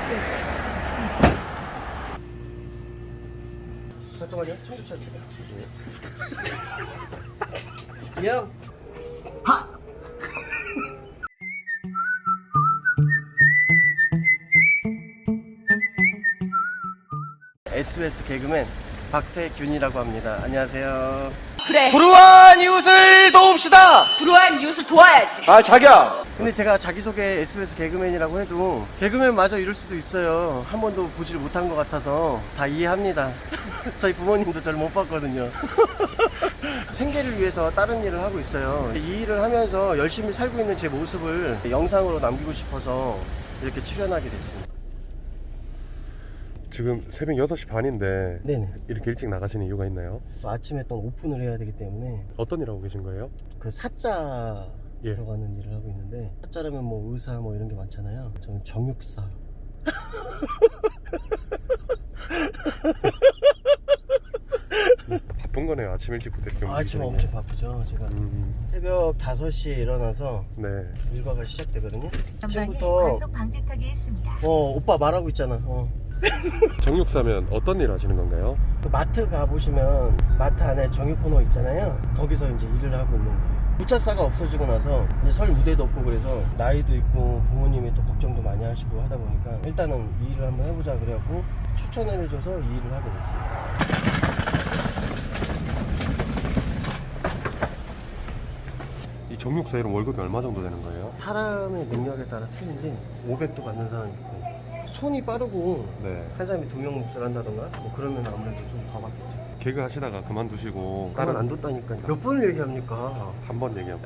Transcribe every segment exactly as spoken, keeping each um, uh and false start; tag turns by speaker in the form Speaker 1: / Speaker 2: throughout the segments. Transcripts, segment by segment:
Speaker 1: 잠깐만요. 청주차 찍어. 야. 하. 에스비에스 개그맨 박세균이라고 합니다. 안녕하세요.
Speaker 2: 그래,
Speaker 1: 불우한 이웃을 도웁시다.
Speaker 2: 불우한 이웃을 도와야지.
Speaker 1: 아 자기야. 근데 제가 자기소개 에스비에스 개그맨이라고 해도 개그맨마저 이럴 수도 있어요. 한 번도 보지를 못한 것 같아서 다 이해합니다. 저희 부모님도 저를 못 봤거든요. 생계를 위해서 다른 일을 하고 있어요. 이 일을 하면서 열심히 살고 있는 제 모습을 영상으로 남기고 싶어서 이렇게 출연하게 됐습니다.
Speaker 3: 지금 새벽 여섯 시 반인데
Speaker 1: 네네.
Speaker 3: 이렇게 일찍 나가시는 이유가 있나요?
Speaker 1: 아침에 또 오픈을 해야 되기 때문에
Speaker 3: 어떤 일 하고 계신 거예요?
Speaker 1: 그 사자
Speaker 3: 예.
Speaker 1: 들어가는 일을 하고 있는데, 사자라면 뭐 의사 뭐 이런 게 많잖아요. 저는 정육사.
Speaker 3: 바쁜 거네요. 아침 일찍부터 이렇게
Speaker 1: 아, 지금
Speaker 3: 움직이시는
Speaker 1: 엄청
Speaker 3: 게.
Speaker 1: 바쁘죠. 제가
Speaker 3: 음,
Speaker 1: 새벽 다섯 시에 일어나서
Speaker 3: 네.
Speaker 1: 일과가 시작되거든요.
Speaker 4: 전방에
Speaker 1: 아침부터
Speaker 4: 과속 방지턱이 있습니다.
Speaker 1: 어 오빠 말하고 있잖아. 어.
Speaker 3: 정육사면 어떤 일 하시는 건가요?
Speaker 1: 그 마트 가보시면 마트 안에 정육 코너 있잖아요. 거기서 이제 일을 하고 있는 거예요. 우차사가 없어지고 나서 이제 설 무대도 없고 그래서 나이도 있고 부모님이 또 걱정도 많이 하시고 하다 보니까 일단은 이 일을 한번 해보자 그래갖고 추천을 해줘서 이 일을 하게 됐습니다.
Speaker 3: 이 정육사 일은 월급이 얼마 정도 되는 거예요?
Speaker 1: 사람의 능력에 따라 틀린데 오백도 받는 사람이 있고, 손이 빠르고
Speaker 3: 네.
Speaker 1: 한 사람이 두 명 몫을 한다던가 뭐 그러면 아무래도 좀 더 받겠죠.
Speaker 3: 개그 하시다가 그만두시고
Speaker 1: 다른
Speaker 3: 다른
Speaker 1: 안 뒀다니까요. 몇 번을 얘기합니까?
Speaker 3: 한 번 얘기하면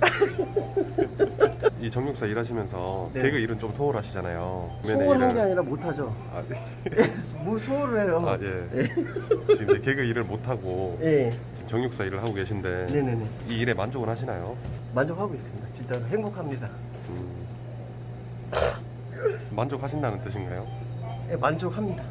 Speaker 3: 이 정육사 일하시면서
Speaker 1: 네.
Speaker 3: 개그 일은 좀 소홀하시잖아요. 그러면은
Speaker 1: 소홀한
Speaker 3: 일은-
Speaker 1: 게 아니라 못하죠.
Speaker 3: 아, 네.
Speaker 1: 뭘 소홀을 해요.
Speaker 3: 아, 예.
Speaker 1: 예.
Speaker 3: 지금 이제 개그 일을 못하고
Speaker 1: 예.
Speaker 3: 정육사 일을 하고 계신데
Speaker 1: 네네네.
Speaker 3: 이 일에 만족은 하시나요?
Speaker 1: 만족하고 있습니다. 진짜 행복합니다.
Speaker 3: 음, 만족하신다는 뜻인가요?
Speaker 1: 예, 만족합니다.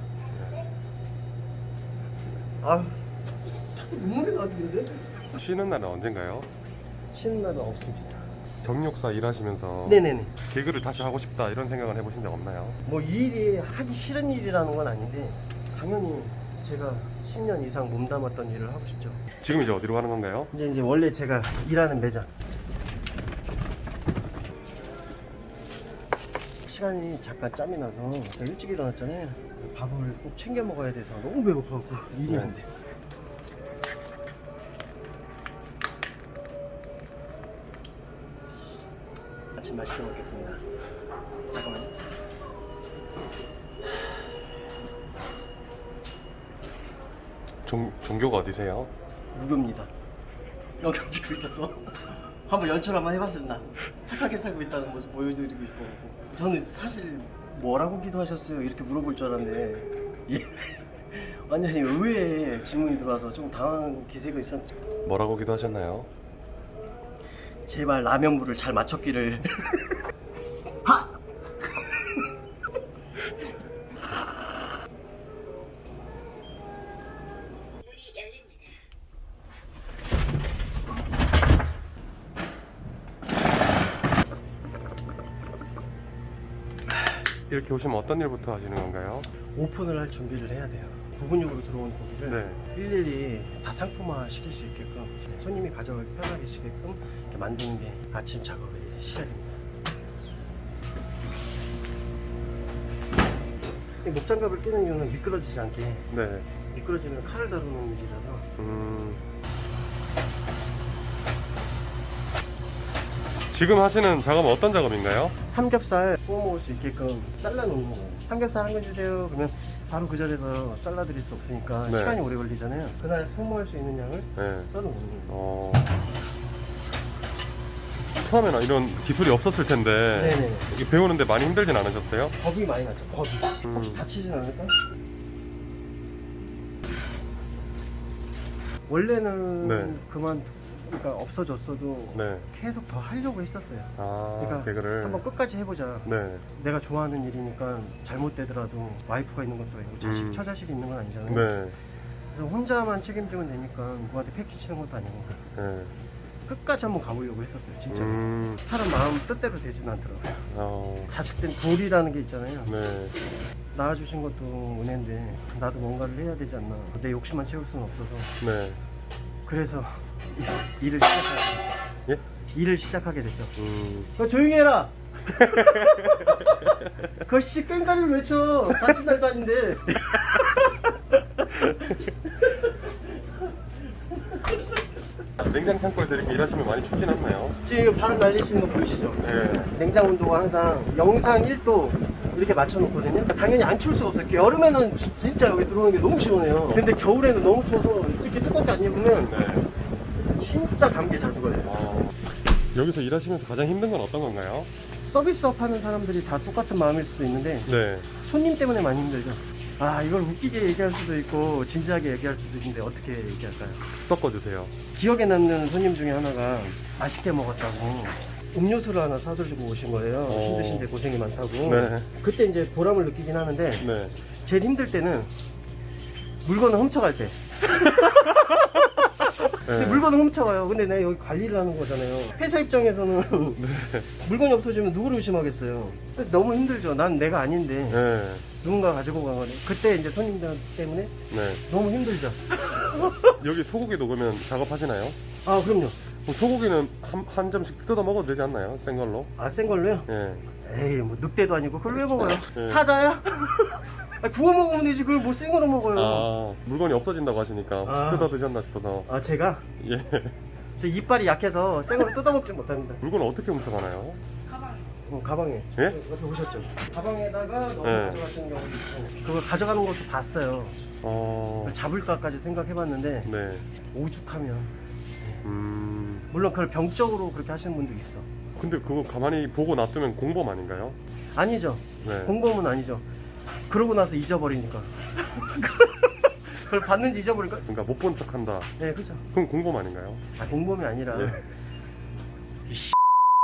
Speaker 1: 아, 자꾸 눈물이 나지는데?
Speaker 3: 쉬는 날은 언젠가요?
Speaker 1: 쉬는 날은 없습니다.
Speaker 3: 정육사 일하시면서
Speaker 1: 네네네.
Speaker 3: 개그를 다시 하고 싶다 이런 생각을 해보신 적 없나요?
Speaker 1: 뭐 이 일이 하기 싫은 일이라는 건 아닌데 당연히 제가 십 년 이상 몸담았던 일을 하고 싶죠.
Speaker 3: 지금 이제 어디로 가는 건가요?
Speaker 1: 이제 이제 원래 제가 일하는 매장. 시간이 잠깐 짬이 나서 제가 일찍 일어났잖아요. 밥을 꼭 챙겨 먹어야 돼서 너무 배고파갖고 일이 안 돼. 아침 맛있게 먹겠습니다. 잠깐만요.
Speaker 3: 종, 종교가 어디세요?
Speaker 1: 무교입니다. 영상 찍고 있어서 한번 연출 한번 해봤습니다. 착하게 살고 있다는 모습 보여드리고 싶어갖고. 저는 사실 뭐라고 기도하셨어요? 이렇게 물어볼 줄 알았는데 예. 완전히 의외의 질문이 들어와서 좀 당황한 기세가 있었죠.
Speaker 3: 뭐라고 기도하셨나요?
Speaker 1: 제발 라면물을 잘 맞췄기를. 하!
Speaker 3: 이렇게 오시면 어떤 일부터 하시는 건가요?
Speaker 1: 오픈을 할 준비를 해야 돼요. 부분육으로 들어온 고기를
Speaker 3: 네.
Speaker 1: 일일이 다 상품화 시킬 수 있게끔, 손님이 가져가기 편하게 시게끔 이렇게 만드는 게 아침 작업의 시작입니다. 이 목장갑을 끼는 이유는 미끄러지지 않게.
Speaker 3: 네.
Speaker 1: 미끄러지면 칼을 다루는 일이라서.
Speaker 3: 음... 지금 하시는 작업은 어떤 작업인가요?
Speaker 1: 삼겹살 구워 먹을 수 있게끔 잘라놓는 거예요. 삼겹살 한 근 주세요. 그러면 바로 그 자리에서 잘라드릴 수 없으니까
Speaker 3: 네.
Speaker 1: 시간이 오래 걸리잖아요. 그날 소모할 수 있는 양을
Speaker 3: 네.
Speaker 1: 썰어놓는 거예요.
Speaker 3: 어... 처음에는 이런 기술이 없었을 텐데
Speaker 1: 네네.
Speaker 3: 이게 배우는데 많이 힘들진 않으셨어요?
Speaker 1: 겁이 많이 났죠. 겁이.
Speaker 3: 음.
Speaker 1: 혹시 다치진 않을까? 원래는
Speaker 3: 네.
Speaker 1: 그만, 그러니까 없어졌어도
Speaker 3: 네.
Speaker 1: 계속 더 하려고 했었어요.
Speaker 3: 아,
Speaker 1: 그러니까
Speaker 3: 개그를.
Speaker 1: 한번 끝까지 해보자.
Speaker 3: 네.
Speaker 1: 내가 좋아하는 일이니까 잘못되더라도 와이프가 있는 것도 아니고 자식,
Speaker 3: 음.
Speaker 1: 처자식이 있는 건 아니잖아요.
Speaker 3: 네.
Speaker 1: 그래서 혼자만 책임지면 되니까 누구한테 패기 치는 것도 아니고
Speaker 3: 네.
Speaker 1: 끝까지 한번 가보려고 했었어요. 진짜로.
Speaker 3: 음...
Speaker 1: 사람 마음 뜻대로 되진 않더라고요.
Speaker 3: 어...
Speaker 1: 자식된 돌이라는 게 있잖아요.
Speaker 3: 네.
Speaker 1: 낳아주신 것도 은혜인데 나도 뭔가를 해야 되지 않나. 내 욕심만 채울 수는 없어서
Speaker 3: 네.
Speaker 1: 그래서 일을 시작하게 됐죠.
Speaker 3: 예?
Speaker 1: 일을 시작하게 됐죠.
Speaker 3: 음.
Speaker 1: 너 조용히 해라. 그씨 깽가리를 외쳐. 다친 날도 아닌데.
Speaker 3: 냉장 창고에서 이렇게 일하시면 많이 춥진 않나요?
Speaker 1: 지금 바람 날리시는 거 보이시죠?
Speaker 3: 네.
Speaker 1: 냉장 온도가 항상 영상 일 도 이렇게 맞춰놓거든요. 당연히 안 추울 수가 없어요. 여름에는 지- 진짜 여기 들어오는 게 너무 시원해요. 근데 겨울에는 너무 추워서 이렇게 뜨겁게 안 입으면
Speaker 3: 네.
Speaker 1: 진짜 감기에 자주 걸려요.
Speaker 3: 어, 여기서 일하시면서 가장 힘든 건 어떤 건가요?
Speaker 1: 서비스업 하는 사람들이 다 똑같은 마음일 수도 있는데
Speaker 3: 네.
Speaker 1: 손님 때문에 많이 힘들죠. 아, 이걸 웃기게 얘기할 수도 있고 진지하게 얘기할 수도 있는데 어떻게 얘기할까요?
Speaker 3: 섞어주세요.
Speaker 1: 기억에 남는 손님 중에 하나가 맛있게 먹었다고 음료수를 하나 사들고 오신 거예요.
Speaker 3: 어.
Speaker 1: 힘드신데 고생이 많다고.
Speaker 3: 네.
Speaker 1: 그때 이제 보람을 느끼긴 하는데
Speaker 3: 네.
Speaker 1: 제일 힘들 때는 물건을 훔쳐갈 때. 근데
Speaker 3: 네.
Speaker 1: 물건을 훔쳐가요. 근데 내가 여기 관리를 하는 거잖아요. 회사 입장에서는 물건이 없어지면 누구를 의심하겠어요. 너무 힘들죠. 난 내가 아닌데
Speaker 3: 네.
Speaker 1: 누군가 가지고 간 거네. 그때 이제 손님들 때문에
Speaker 3: 네.
Speaker 1: 너무 힘들죠.
Speaker 3: 여기 소고기도 그러면 작업하시나요?
Speaker 1: 아, 그럼요.
Speaker 3: 그럼 소고기는 한, 한 점씩 뜯어 먹어도 되지 않나요? 센 걸로?
Speaker 1: 아, 센 걸로요?
Speaker 3: 예.
Speaker 1: 에이, 뭐 늑대도 아니고 그걸 왜 먹어요?
Speaker 3: 네.
Speaker 1: 사자야? 아, 구워 먹으면 되지. 그걸 뭐 생으로 먹어요.
Speaker 3: 아, 물건이 없어진다고 하시니까 혹시
Speaker 1: 아.
Speaker 3: 뜯어 드셨나 싶어서.
Speaker 1: 아, 제가
Speaker 3: 예.
Speaker 1: 저 이빨이 약해서 생으로 뜯어먹지 못합니다.
Speaker 3: 물건을 어떻게 훔쳐가나요?
Speaker 1: 어, 가방에.
Speaker 3: 예?
Speaker 1: 옆에 보셨죠? 가방에다가 넣어
Speaker 3: 네.
Speaker 1: 가져가시는 경우도 있고. 그거 가져가는 것도 봤어요.
Speaker 3: 어.
Speaker 1: 잡을까까지 생각해봤는데
Speaker 3: 네.
Speaker 1: 오죽하면.
Speaker 3: 음.
Speaker 1: 물론 그걸 병적으로 그렇게 하시는 분도 있어.
Speaker 3: 근데 그거 가만히 보고 놔두면 공범 아닌가요?
Speaker 1: 아니죠.
Speaker 3: 네.
Speaker 1: 공범은 아니죠. 그러고 나서 잊어버리니까. 그걸 봤는지 잊어버릴까?
Speaker 3: 그러니까 못 본 척한다.
Speaker 1: 네, 그죠.
Speaker 3: 그럼 공범 아닌가요?
Speaker 1: 아, 공범이 아니라.
Speaker 3: 예.
Speaker 1: 이 씨.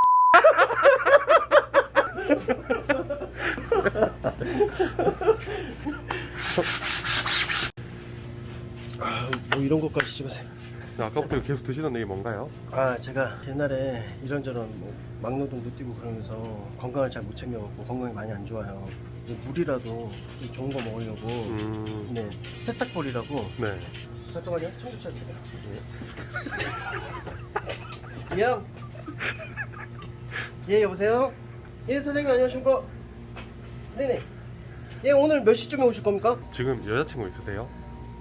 Speaker 1: 아, 뭐 이런 것까지 찍으세요.
Speaker 3: 아까부터 계속 드시던 얘기 뭔가요?
Speaker 1: 아, 제가 옛날에 이런저런 뭐 막노동도 뛰고 그러면서 건강을 잘 못 챙겨갖고 건강이 많이 안 좋아요. 이 물이라도 좀 좋은 거 먹으려고.
Speaker 3: 음.
Speaker 1: 네, 새싹볼이라고.
Speaker 3: 네.
Speaker 1: 잠깐만요, 청주차 제가. 예. 형. 예, 여보세요? 예, 사장님 안녕하십니까? 네네. 예, 오늘 몇 시쯤에 오실 겁니까?
Speaker 3: 지금 여자친구 있으세요?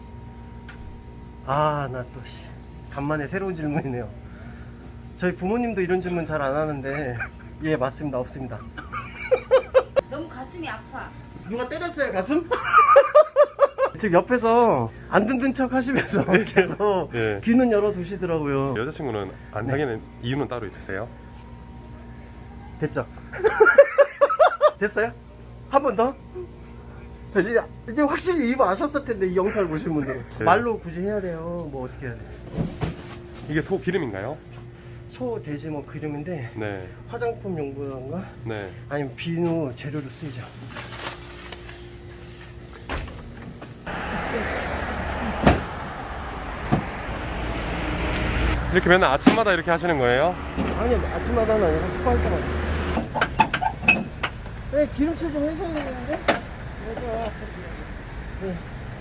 Speaker 1: 아, 나 또 씨, 간만에 새로운 질문이네요. 저희 부모님도 이런 질문 잘 안 하는데 예, 맞습니다. 없습니다.
Speaker 2: 너무 가슴이 아파.
Speaker 1: 누가 때렸어요, 가슴? 지금 옆에서 안 듣는 척 하시면서 계속
Speaker 3: 네.
Speaker 1: 귀는 열어두시더라고요.
Speaker 3: 여자친구는 안 사귀는 이유는 따로 있으세요?
Speaker 1: 됐죠? 됐어요? 한 번 더? 저 이제, 이제 확실히 이거 아셨을 텐데, 이 영상을 보신 분들은.
Speaker 3: 네.
Speaker 1: 말로 굳이 해야 돼요. 뭐 어떻게 해야 돼요?
Speaker 3: 이게 소 기름인가요?
Speaker 1: 소, 돼지 뭐 그림인데
Speaker 3: 네.
Speaker 1: 화장품 용도인가?
Speaker 3: 네.
Speaker 1: 아니면 비누 재료로 쓰이죠.
Speaker 3: 이렇게 맨날 아침마다 이렇게 하시는 거예요?
Speaker 1: 아니, 아침마다는 아니라 수고할 때마다. 네, 기름칠 좀 해줘야 되는데? 맞아. 네.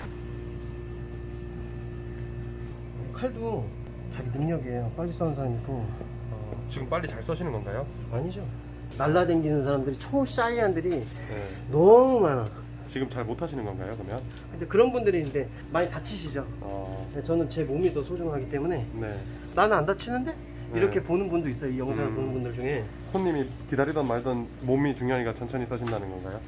Speaker 1: 칼도 자기 능력이에요. 빨리 써는 사람이고. 어,
Speaker 3: 지금 빨리 잘 써시는 건가요?
Speaker 1: 아니죠. 날라다니는 사람들이 초샤이한들이
Speaker 3: 네.
Speaker 1: 너무 많아.
Speaker 3: 지금 잘 못 하시는 건가요, 그러면?
Speaker 1: 근데 그런 분들이 이제 많이 다치시죠.
Speaker 3: 어.
Speaker 1: 네, 저는 제 몸이 더 소중하기 때문에
Speaker 3: 네.
Speaker 1: 나는 안 다치는데?
Speaker 3: 네.
Speaker 1: 이렇게 보는 분도 있어요. 이 영상을
Speaker 3: 음.
Speaker 1: 보는 분들 중에.
Speaker 3: 손님이 기다리던 말던 몸이 중요하니까 천천히 써신다는 건가요?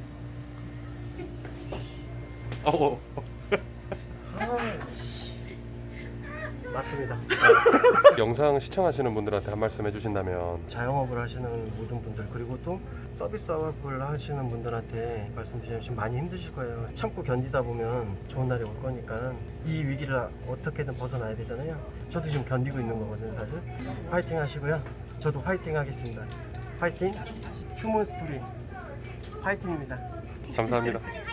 Speaker 3: 어.
Speaker 1: 아, 씨. 맞습니다.
Speaker 3: 영상 시청하시는 분들한테 한 말씀 해주신다면.
Speaker 1: 자영업을 하시는 모든 분들, 그리고 또 서비스업을 하시는 분들한테 말씀드리면 지금 많이 힘드실 거예요. 참고 견디다 보면 좋은 날이 올 거니까 이 위기를 어떻게든 벗어나야 되잖아요. 저도 지금 견디고 있는 거거든요, 사실. 파이팅 하시고요. 저도 파이팅 하겠습니다. 파이팅! 휴먼 스토리 파이팅입니다.
Speaker 3: 감사합니다.